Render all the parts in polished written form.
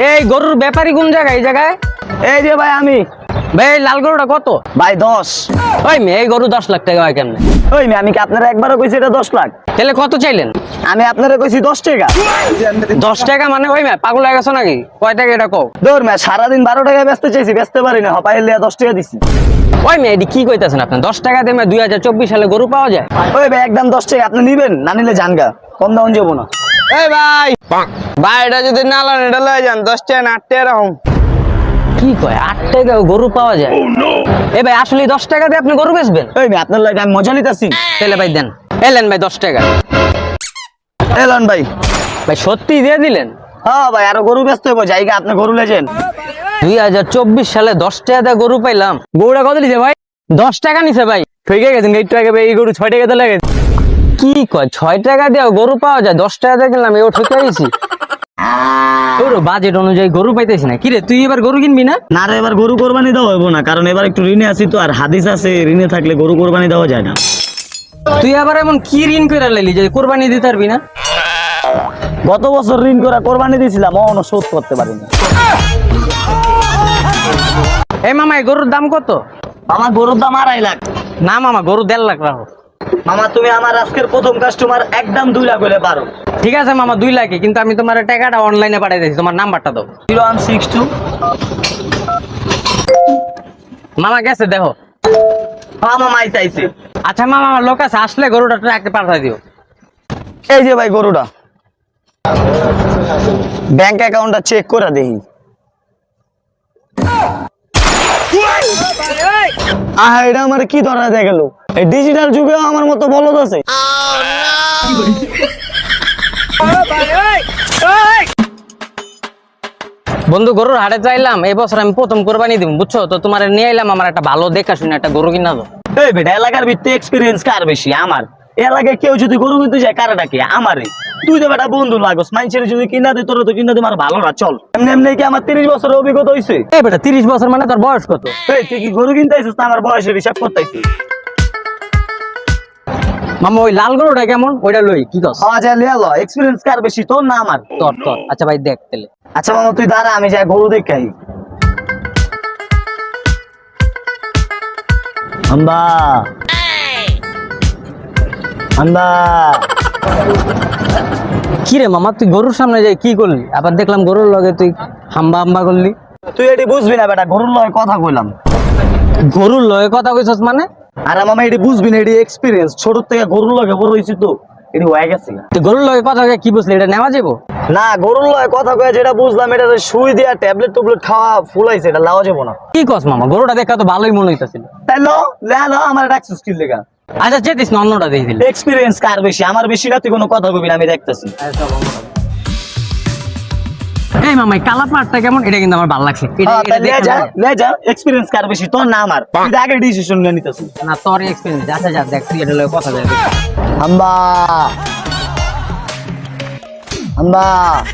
এই গরুর ব্যাপারী কোন জায়গায়? এই জায়গায় এই যে ভাই আমি ভাই এই লাল গরুটা কত? ভাই 10। ওই মেয়ে এই গরু 10 লাখ টাকা হয় কেমনে? ওই আমি কি আপনারা একবারও কইছি এটা 10 লাখ? তাহলে কত চাইলেন? আমি আপনারা কইছি 10 টাকা। 10 টাকা মানে ওই মেয়ে পাগল হয়ে গেছো নাকি? কয় টাকা এটা কও? দৌড় মে সারাদিন 12 টাকা বেচতে চাইছি, বেচতে পারি না, হপাইলে 10 টাকা দিছি। ওই মেয়ে এটি কি কইতাছেন আপনি? 10 টাকা দিয়ে 2024 সালে গরু পাওয়া যায়? ওই ভাই একদম 10 টাকা, আপনি নিবেন না নিলে জানগা, কম দাম যাবো না। এই ভাই ভাই এটা যদি না লন এটা লয়ে যান 10 টাকা না 8 টাকা এরকম। কি কয় 8 টাকা গরু পাওয়া যায়? এই ভাই আসলে 10 টাকা দিয়ে আপনি গরু বেচবেন? ওই ভাই আপনার লাগে আমি মজা নিতেছি। তাহলে ভাই দেন, এলেন ভাই 10 টাকা। এলন ভাই। ভাই সত্যি দিয়ে দিলেন? হ্যাঁ ভাই আরো গরু বেচতে হইব, জায়গা আপনি গরু লেজেন। 2024 সালে 10 টাকা দিয়ে গরু পাইলাম। গরুটা কত নিছে ভাই? 10 টাকা নিছে ভাই। ঠিক আছে একটু আগে ভাই এই গরু 6 টাকা তো লাগে। কি কয় 6 টাকা দিয়ে গরু পাওয়া যায়? 10 টাকা দিয়ে কিনলাম, এও ঠকে গেছি। তোর বাজেট অনুযায়ী গরু পাইতেছি না। কিরে তুই এবার গরু কিনবি না? না রে এবার গরু কোরবানি দেওয়া হইব না, কারণ এবার একটু ঋণে আছি তো, আর হাদিস আছে ঋণে থাকলে গরু কোরবানি দেওয়া যায় না। তুই আবার এমন কি ঋণ করে লাইলি যে কোরবানি দিতে পারবি না? গত বছর ঋণ করে কোরবানি দিয়েছিলাম, অন্য শোধ করতে পারিনি। এই মামা এই গরুর দাম কত? আমার গরুর দাম 2.5 লাখ। না মামা গরু 1.5 লাখ রাখো। মামা তুমি আমার আজকের প্রথম কাস্টমার, একদম 2 লাখ হলে পারো। ঠিক আছে মামা 2 লাখে, কিন্তু আমি তোমার টাকাটা অনলাইনে পাঠিয়ে দিয়েছি, তোমার নাম্বারটা দাও। 0162। মামা গেছে দেখো। হ্যাঁ মামা চাইছে। আচ্ছা মামা আমার লোক আছে, আসলে গরুটা ট্রাকে পাঠিয়ে দিও। এই যে ভাই গরুটা, ব্যাংক অ্যাকাউন্টটা চেক করে দেখি। এটা আমার কি ধরা দিয়ে গেল? এই ডিজিটাল যুগেও আমার মতো বলদ আছে। বন্ধু গরুর হাটে চাইলাম, এই বছর আমি প্রথম কোরবানি দিব, বুঝছো তো? তোমার নিয়ে এলাম, আমার একটা ভালো দেখা শুনে একটা গরু কিনা দাও। এই বেটা এলাকার ভিত্তিতে এক্সপিরিয়েন্স কার বেশি? আমার। এলাকায় কেউ যদি গরু কিনতে যায় কারা ডাকে? আমারে। তুই তো বেটা বন্ধু লাগস, মানুষের যদি কিনা দে তোর তো কিনা দে আমার ভালো না, চল। এমনি এমনি কি আমার 30 বছরের অভিজ্ঞতা হইছে? এই বেটা 30 বছর মানে তোর বয়স কত? এই তুই কি গরু কিনতে আইছিস না আমার বয়সের হিসাব করতেছিস? মামা ওই লাল গরুটা কেমন? ওইটা লই কি কস? আচ্ছা লিয়া ল, এক্সপিরিয়েন্স কার বেশি, তোর না আমার? তোর তোর। আচ্ছা ভাই দেখ তাহলে। আচ্ছা মামা তুই দাঁড়া, আমি যাই গরু দেখাই। আম্বা আম্বা। কি রে মামা তুই গরুর সামনে যাই কি করলি? আবার দেখলাম গরুর লগে তুই হাম্বা হাম্বা করলি। তুই এটি বুঝবি না বেটা, গরুর লয় কথা কইলাম। গরুর লগে কথা কইছস মানে? আরে মামা এটি বুঝবি না, এটি এক্সপিরিয়েন্স, ছোট থেকে গরুর লগে বড় হইছি তো, এটি হয়ে গেছে। তুই গরুর লগে কথা কয়ে কি বুঝলি? এটা নেওয়া যাবো? না গরুর লয় কথা কয়ে যেটা বুঝলাম, এটা সুই দিয়া ট্যাবলেট টুবলেট খাওয়া ফুলাইছে, এটা লাওয়া যাবো না। কি কস মামা? গরুটা দেখা তো ভালোই মনে হইতাছিল। তাই লো লো আমার ডাকছিস কি লেগা? আচ্ছা চেতিস না, অন্যটা দিয়ে দিলি। এক্সপিরিয়েন্স কার বেশি? আমার বেশি না, তুই কোনো কথা কবি না, আমি দেখতেছি। এই মামা এই কালা পাটটা কেমন? এটা কিন্তু আমার ভালো লাগছে। এটা এটা দেখে লে যা, এক্সপিরিয়েন্স কার বেশি, তোর না আমার? তুই আগে ডিসিশন নিয়ে নিতেছিস। না তোর এক্সপেরিয়েন্স। আচ্ছা যা দেখ তুই এটা লগে কথা কয়ে। আম্বা আম্বা।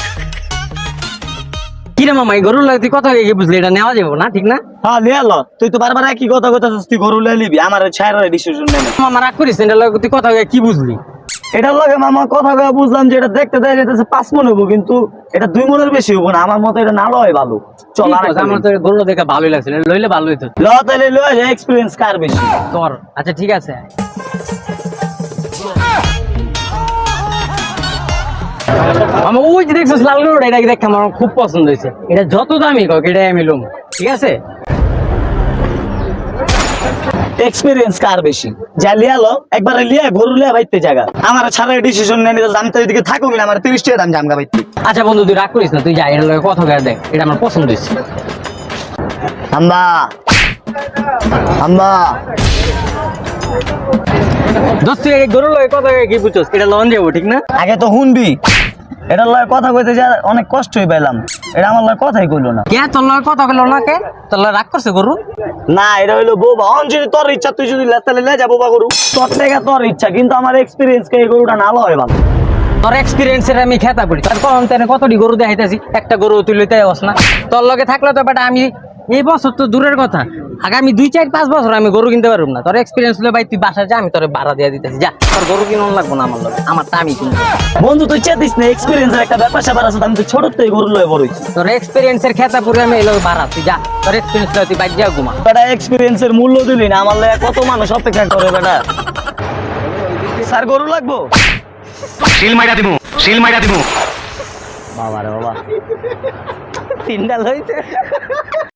কি রে মামা এই গরুর লগে তুই কথা কয়ে কি বুঝলি? এটা নেওয়া যাবো না, ঠিক না? হ্যাঁ লিয়া ল, তুই তো বারবার একই কথা কইতাছিস, তুই গরু লিয়ে নিবি, আমার ছাইরা ডিসিশন নে না। মামা রাগ করিস না, এটা লগে তুই কথা কয়ে কি বুঝলি? এটার লগে মামা কথা কয়ে বুঝলাম যে এটা দেখতে দেয় যেতেছে 5 মণ হবো, কিন্তু এটা 2 মণের বেশি হবো না, আমার মতে এটা না লয় ভালো। চল আর আমার তো গরু দেখে ভালোই লাগছিল, লইলে ভালো হইতো। ল তাইলে লয় যা, এক্সপিরিয়েন্স কার বেশি তোর। আচ্ছা ঠিক আছে। আমার ওই যে দেখছিস লাল গরুটা, এটা দেখে আমার খুব পছন্দ হয়েছে। এটা যত দামি হোক এটাই আমি লম, ঠিক আছে? এক্সপিরিয়েন্স কার বেশি? যা লিয়া লো, একবারে লিয়া গরু লিয়া বাইতে জায়গা, আমার ছাড়া ডিসিশন নিয়ে নিতে। আমি তো এদিকে থাকো না, আমার 30 টাকা দাম জামগা বাইতে। আচ্ছা বন্ধু তুই রাগ করিস না, তুই যা, এটা লগে কথা কয়ে দেখ, এটা আমার পছন্দ হয়েছে। আম্বা আম্বা। দোস্ত তুই এই গরুর লগে কথা কয়ে কি বুঝছস? এটা লন যাবো, ঠিক না? আগে তো শুনবি, এটার লয় কথা কইতে যা অনেক কষ্টই পাইলাম, এটা আমার লয় কথাই কইলো না। কে তোর লগে কথা কইলো না? কে তোর লগে রাগ করছে গরু? না এটা হইলো বোবা। অন যদি তোর ইচ্ছা, তুই যদি লেস্তালে লে যা বোবা গরু, তোর থেকে তোর ইচ্ছা, কিন্তু আমার এক্সপিরিয়েন্স কে এই গরুটা না লয় ভালো। তোর এক্সপিরিয়েন্সের আমি খেতা পড়ি, তার কারণ তেনে কতটি গরু দেখাইতেছি, একটা গরু তুই লইতে যাস না। তোর লগে থাকলে তো বেটা আমি এই বছর তো দূরের কথা, আগামী 2-4-5 বছর আমি গরু কিনতে পারবো না। তোর এক্সপিরিয়েন্স হলে ভাই তুই বাসায় যা, আমি তোর ভাড়া দিয়ে দিতেছি, যা। তোর গরু কিনুন লাগবো না আমার লগে, আমারটা আমি কিনবো। বন্ধু তুই চেতিস না, এক্সপিরিয়েন্সের একটা ব্যাপার স্যাপার আছে, আমি তো ছোট থেকে গরু লয়ে বড় হইছি। তোর এক্সপিরিয়েন্সের খেতা পুরো আমি এলো ভাড়া, তুই যা। তোর এক্সপিরিয়েন্স লয়ে তুই বাইরে যা ঘুমা। বেটা এক্সপিরিয়েন্সের মূল্য দিলি না, আমার লয়ে কত মানুষ অপেক্ষা করে বেটা। স্যার গরু লাগবো? শিল মাইরা দিমু, শিল মাইরা দিমু। বাবা রে বাবা, তিনটা লইছে।